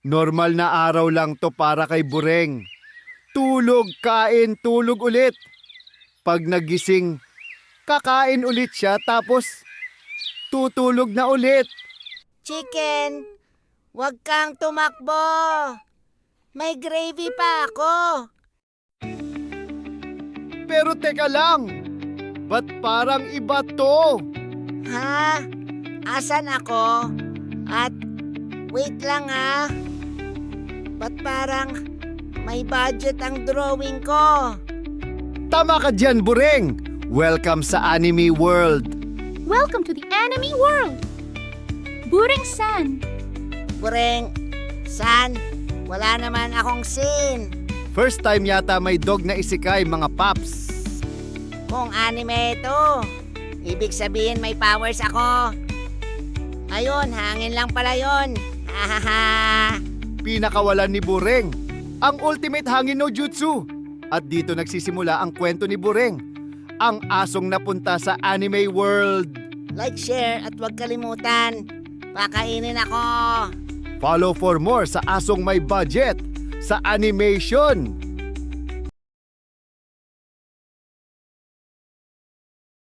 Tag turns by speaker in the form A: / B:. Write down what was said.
A: Normal na araw lang to para kay Bureng. Tulog, kain, tulog ulit. Pag nagising, kakain ulit siya tapos tutulog na ulit.
B: Chicken, wag kang tumakbo. May gravy pa ako.
A: Pero teka lang, ba't parang iba to?
B: Ha? Asan ako? At wait lang ha. Ba't parang may budget ang drawing ko?
A: Tama ka dyan, Bureng. Welcome sa Anime World.
C: Welcome to the Anime World! Bureng-san!
B: Bureng, san? Wala naman akong scene.
A: First time yata may dog na isikay, mga paps.
B: Kung anime ito, ibig sabihin may powers ako. Ayun, hangin lang pala yun. Hahaha.
A: Pinakawalan ni Bureng, ang ultimate hangin no jutsu. At dito nagsisimula ang kwento ni Bureng, ang asong napunta sa Anime World.
B: Like, share at huwag kalimutan. Pakainin ako.
A: Follow for more sa asong may budget sa animation.